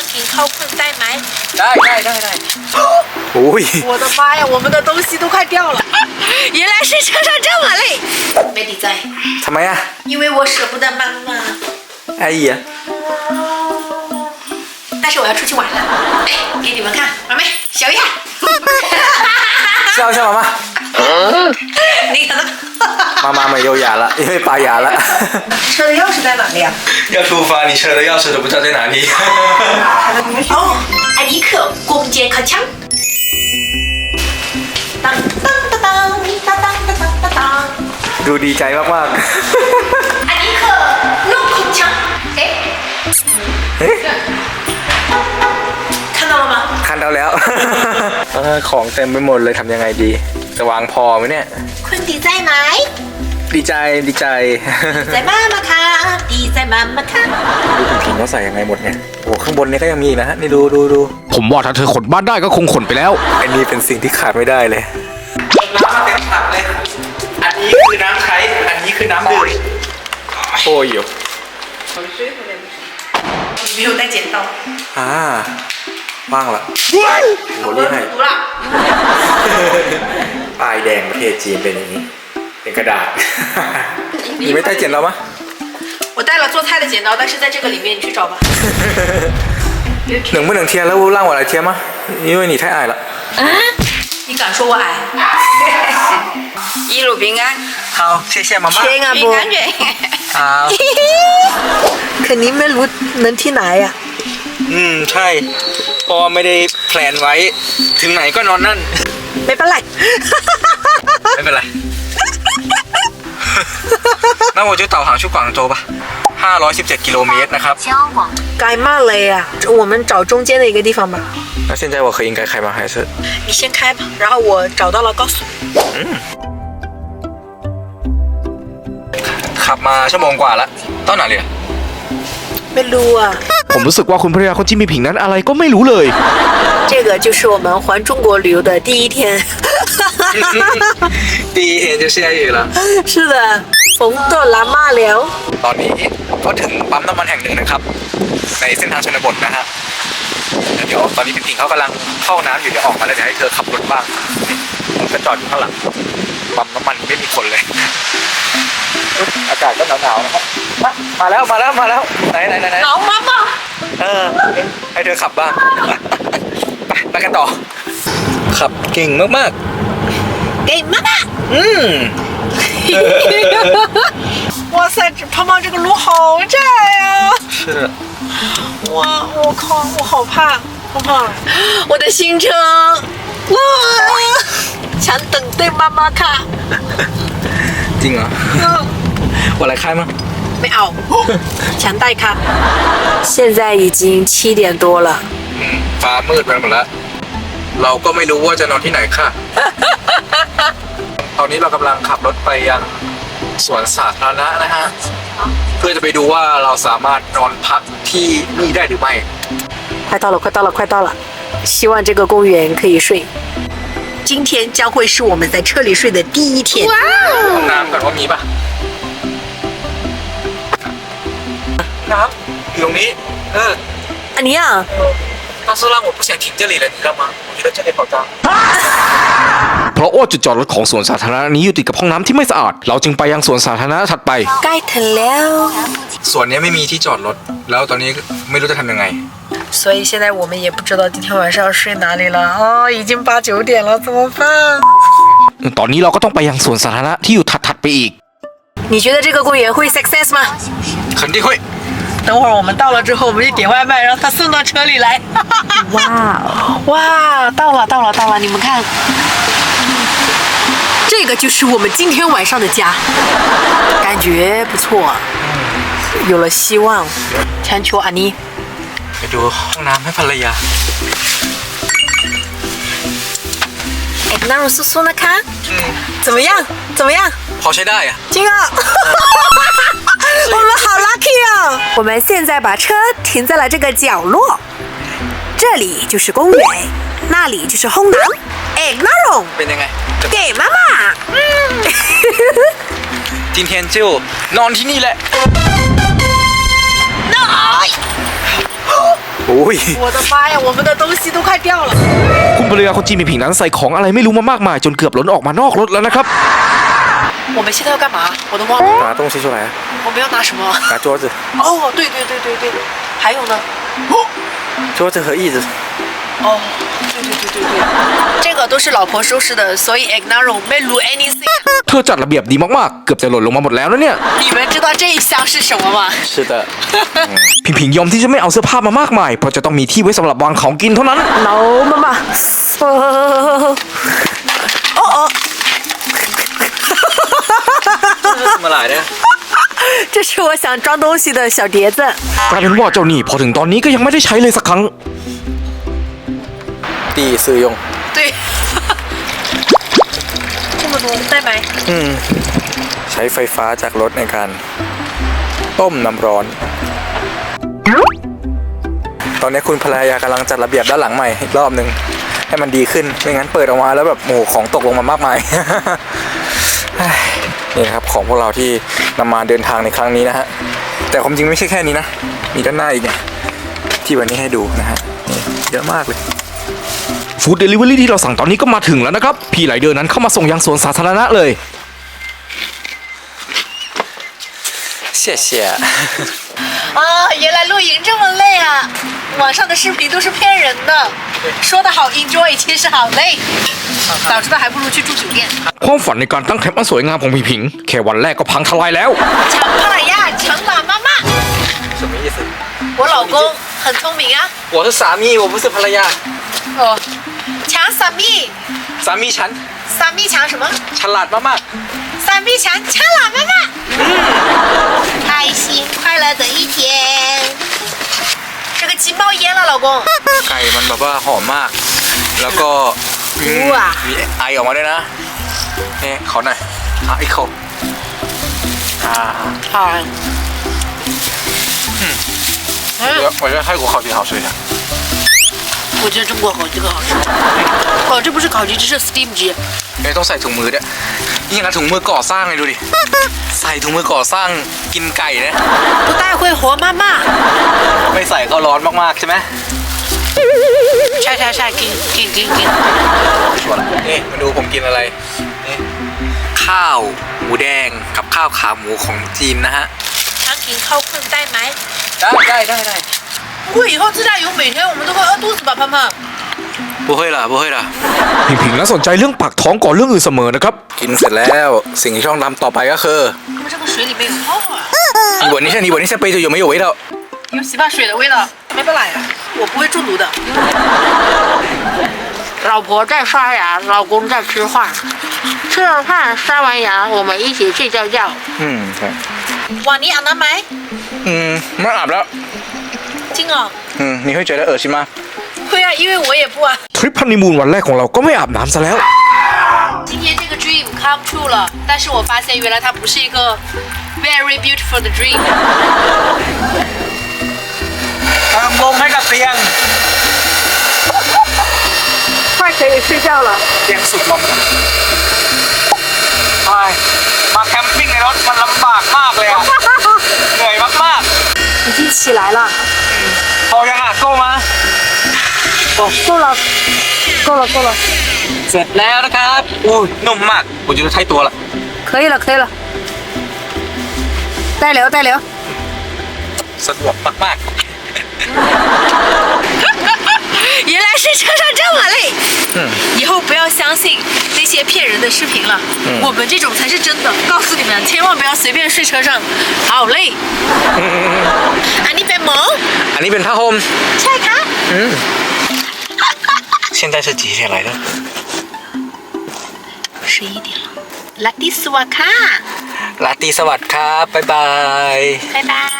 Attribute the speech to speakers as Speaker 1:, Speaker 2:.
Speaker 1: กินข้าว困ได้ไหม
Speaker 2: ได้โอ้ย
Speaker 1: 我的妈呀我们的东西都快掉了原来是车上这么累没理在
Speaker 2: ทำไมอ่ะ
Speaker 1: 因为我舍不得妈妈
Speaker 2: ไอ้เหี้ย
Speaker 1: 但是我要出去玩了哎给你们看妈妹小样
Speaker 2: 笑妈妈
Speaker 1: 你可能
Speaker 2: 妈妈没有牙了因为拔牙了
Speaker 1: 车的钥匙在哪里啊
Speaker 2: 要出发你车的钥匙都不知道在哪里
Speaker 1: 哦艾迪克攻坚开枪当当当当当当当当当
Speaker 2: ดูดีใจมาก
Speaker 1: 艾迪克弄空枪哎看到了吗
Speaker 2: คันเอาแล้วของเต็มไปหมดเลยทำยังไงดีจะวางพอไหมเนี่ย
Speaker 1: 坤迪在ไหน
Speaker 2: ดีใจ
Speaker 1: 在妈妈卡ดี在妈妈卡
Speaker 2: ดูคุณผิงเขาใส่ยังไงหมดเนี่ยโอ้ข้างบนนี้ก็ยังมีอีกนะฮะนี่ดู
Speaker 3: ผมว่าถ้าเธอขนบ้านได้ก็คงขนไปแล้ว
Speaker 2: อันนี้เป็นสิ่งที่ขาดไม่ได้เลยน้ำมาเต็มถังเลยอันนี้คือน้ำใช้อันนี้คือน้ำดื่มโอ้ยอยู่
Speaker 1: 没有带剪刀
Speaker 2: ว่างละโหเรียกให้
Speaker 1: 读了
Speaker 2: ป้ายแดงประเทศจีนเป็นอย่างนี้เป็นกระดาษ你没带剪刀吗
Speaker 1: 我带了做菜的剪刀但是在这个里面你去找吧
Speaker 2: 能不能贴了让我来贴吗因为你太矮了
Speaker 1: 你敢说我矮一路平安
Speaker 2: 好谢谢妈妈
Speaker 1: 平安不
Speaker 2: 好
Speaker 1: 肯尼ไม่รู้นั้นที่ไหนอ่ะ
Speaker 2: ใช่เพราะไม่ได้แพลนไว้ถึงไหนก็นอนนั่น
Speaker 1: ไม่เป็นไร
Speaker 2: ไม่เป็นไร那我就导航去广州吧517กิโลเมตรนะครับ
Speaker 1: ไกลมากเลยอ่ะ我们找中间的一个地方吧
Speaker 2: 那现在我可以应该开吗还是
Speaker 1: 你先开吧然后我找到了告诉你
Speaker 2: ขับมาชั่วโมงกว่าแล้วต้นไหนเลย
Speaker 1: ไม่รู้อ่ะ
Speaker 3: ผมรู้สึกว่าคุณภรรยาคนจิมมี่ผิงนั้นอะไรก็ไม่รู้เลย
Speaker 1: 这个就是我们环中国旅游的第一天
Speaker 2: 第一天就下雨了
Speaker 1: 是的ฝนตกแล้วมาแล้ว
Speaker 2: ตอนนี้ก็ถึงปั๊มน้ำมันแห่งหนึ่งนะครับในเส้นทางชนบทนะฮะเดี๋ยวตอนนี้พี่ผิงเขากำลังเข้าน้ำอยู่เดี๋ยวออกมาแล้วเดี๋ยวให้เธอขับรถบ้างผมก็จอดอยู่ข้างหลังปั๊มน้ำมันไม่มีคนเลยอากาศก็หนาวๆนะครับมาแล้วไหน
Speaker 1: หนาวมาก
Speaker 2: ให้เธอขับบ้างไปกันต่อขับเก่งมาก
Speaker 1: เก่งมาก哇塞胖胖这个路好窄啊
Speaker 2: 是
Speaker 1: 我靠我好怕胖胖我的行程哇想等对妈妈看
Speaker 2: จริงเหรอ我来开吗
Speaker 1: ไม่เอาฉันได้ครับ现在已经7点多了
Speaker 2: ฟ้ามืดไปหมดแล้วเราก็ไม่รู้ว่าจะนอนที่ไหนค่ะตอนนี้เรากำลังขับรถไปยังสวนสาธารณะนะฮะเพื่อจะไปดูว่าเราสามารถนอนพักที่นี่ได้หรือไม่
Speaker 1: 快到了希望这个公园可以睡今天将会是我们在车里睡的第一天
Speaker 2: ห้องน้ำก่อนว่ามีป่ะน้ำอยู่ตรงนี้
Speaker 1: อันนี้อ่ะ
Speaker 2: 但是让我不想停这里了你知道吗我觉得这里好脏
Speaker 3: เพราะว่าจุดจอดรถของสวนสาธารณะนี้อยู่ติดกับห้องน้ำที่ไม่สะอาดเราจึงไปยังสวนสาธารณะถัดไป
Speaker 1: ใกล้ถึงแล้ว
Speaker 2: สวนนี้ไม่มีที่จอดรถแล้วตอนนี้ไม่รู้จะทำยังไง
Speaker 1: 所以现在我们也不知道今天晚上要睡哪里了已经8、9点了怎么办
Speaker 3: ตอนนี้เราก็ต้องไปยังสวนสาธารณะที่อยู่ถัดไปอีก
Speaker 1: 你觉得这个公园会 success 吗
Speaker 2: 肯定会
Speaker 1: 等会儿我们到了之后我们就点外卖让他送到车里来哇到了你们看这个就是我们今天晚上的家感觉不错有了希望强求安妮
Speaker 2: ไปดูห้องน้ำให้ภรรยา
Speaker 1: 那种酥酥的看怎么样
Speaker 2: พอใช้ได้อะ
Speaker 1: จริง啊我们好 lucky 啊我们现在把车停在了这个角落这里就是公园那里就是ห้องน้ำ那种
Speaker 2: เป็นยังไง
Speaker 1: 给妈妈
Speaker 2: 今天就นอนที่นี่แหละโอ้อุ้ย
Speaker 1: 我的妈呀，我们的东西都快掉了。
Speaker 3: คุณภรรยาคนจีนผิงผิงนั้นใส่ของอะไรไม่รู้มามากมายจนเกือบล้นออกมานอกรถแล้วนะครับ
Speaker 1: 我们现在要干嘛？我都忘了，
Speaker 2: 拿东西出来啊，
Speaker 1: 我们要拿什么？
Speaker 2: 拿桌子，
Speaker 1: 哦，对对对对对，还有呢？
Speaker 2: 桌子和椅子。
Speaker 1: 哦，对对对对对，这个都是老婆收拾的，所以 ignore 没录 anything。
Speaker 3: เธอจัดระเบียบดีมากๆ เกือบจะหล่นลงมาหมดแล้วนะเนี่ย
Speaker 1: 你们知道这一箱是什么吗？
Speaker 2: 是的，
Speaker 3: ผิงผิงยอมที่จะไม่เอาเสื้อผ้ามามากมายเพราะจะต้องมีที่ไว้สำหรับวางของกินเท่านั้น
Speaker 1: 老妈妈，哦哦，
Speaker 2: 怎么来的？
Speaker 1: 这是我想装东西的小碟子。
Speaker 3: กลายเป็นว่าเจ้าหนี้พอถึงตอนนี้ก็ยังไม่ได้ใช้เลยสักครั้ง
Speaker 2: 第一次用。
Speaker 1: 对，这么多带ไหม
Speaker 2: ใช้ไฟฟ้าจากรถในการต้มน้ำร้อน ตอนนี้คุณภรรยากำลังจัดระเบียบด้านหลังใหม่อีกรอบหนึ่งให้มันดีขึ้นไม่งั้นเปิดออกมาแล้วแบบโอ้โหของตกลงมามากมาย นี่นะครับของพวกเราที่นำมาเดินทางในครั้งนี้นะฮะแต่ความจริงไม่ใช่แค่นี้นะมีด้านหน้าอีกเนี่ยที่วันนี้ให้ดูนะฮะนี่เยอะมากเลย
Speaker 3: ฟู้ดเดลิเวอรี่ที่เราสั่งตอนนี้ก็มาถึงแล้วนะครับ พี่ไหลเดอร์นั้นเข้ามาส่งยังสวนสาธารณะเลย
Speaker 2: 谢谢
Speaker 1: 啊，原来露营这么累啊！网上的视频都是骗人的，说的好 enjoy，其实好累。早知道还不如去住酒店。
Speaker 3: ความฝันในการตั้งแคมป์อันสวยงามของผิงผิงแค่วันแรกก็พังทลายแล้ว
Speaker 1: 抢帕拉亚，抢老妈妈。
Speaker 2: 什么意思
Speaker 1: 我老公很聪明啊。
Speaker 2: 我是สามี我不是ภรรยา
Speaker 1: 哦，抢萨密，
Speaker 2: สามีฉัน
Speaker 1: 萨密抢什么？
Speaker 2: ฉลาดมาก
Speaker 1: 萨密抢抢老妈妈。开心快乐的一天。这个鸡冒烟了，老公。
Speaker 2: ๆไก่มันแบบว่าหอมมาก แล้วก็มีไอออกมาด้วยนะนี่ขอหน่อยอีกขบ
Speaker 1: 好。
Speaker 2: 我觉得泰国烤鸡好吃一点
Speaker 1: 我觉得中国烤鸡更好吃。哦，这不是烤鸡，这是 steam 鸡。
Speaker 2: ไม่ต้องใส่ถุงมือด้วยนี่อย่างนั้นถุงมือก่อสร้างเลยดูดิใส่ถุงมือก่อสร้างกินไก่นะ
Speaker 1: 不带会活妈妈。
Speaker 2: ไม่ใส่ก็ร้อนมากๆใช่ไหม
Speaker 1: 晒晒晒，给。
Speaker 2: ชัวร์ละนี่มาดูผมกินอะไรนี่ข้าวหมูแดงกับข้าวขาหมูของจีนนะฮะ
Speaker 1: 想给靠困带ไหม
Speaker 2: ได้
Speaker 1: 不会以后自驾游每天我们都会饿肚子吧，胖胖？
Speaker 2: 不会啦不会啦
Speaker 3: ผิงผิงนั้นสนใจเรื่องปากท้องก่อนเรื่องอื่นเสมอนะครับ
Speaker 2: กินเสร็จแล้วสิ่งที่ต้องทำต่อไปก็คือ
Speaker 1: 他们这个水里面有泡啊，
Speaker 2: 你闻一下杯子有没有味道
Speaker 1: 有洗发水的味道，没不来呀，我不会中毒的。老婆在刷牙，老公在吃饭，吃了饭刷完牙，我们一起睡觉觉。
Speaker 2: ใช่
Speaker 1: 哇，你อาบน้ำไหม
Speaker 2: ไม่อาบแล้ว
Speaker 1: จริงเหรอ
Speaker 2: 你会觉得恶心吗
Speaker 1: 会啊，因为我也不啊。
Speaker 3: ทริปฮันนีมูนวันแรกของเราก็ไม่อาบน้ำซะแล้ว
Speaker 1: 今天这个 dream come true 了，但是我发现原来它不是一个 very beautiful 的 dream。
Speaker 2: เติมลมให้กับเตียง
Speaker 1: 快可以睡觉了。
Speaker 2: เตียงสุดลมใช่มาแคมปิ้งในรถมันลำบากมากเลยอะเหนื่อยมาก
Speaker 1: 已经起来了，
Speaker 2: ๆพอยังอ่ะโก้มา
Speaker 1: 够了，够了，够了，
Speaker 2: เสร็จแล้วนะครับอุ้ยนุ่มมากผมจะใช้ตัวละ
Speaker 1: 可以了，可以了。带流，带流。
Speaker 2: สะดวกมาก
Speaker 1: 原来睡车上这么累。以后不要相信那些骗人的视频了，我们这种才是真的。告诉你们，千万不要随便睡车上，好累。อันนี้เป็นหมอ
Speaker 2: ๆอันนี้เป็นผ้าห่ม
Speaker 1: ใช่ค่ะ
Speaker 2: 现在是几点来的
Speaker 1: 11点了。ลัตติสวัสดิ์ค่ะ
Speaker 2: ราตรีสวัสดิ์ครับบ๊ายบาย
Speaker 1: 拜拜。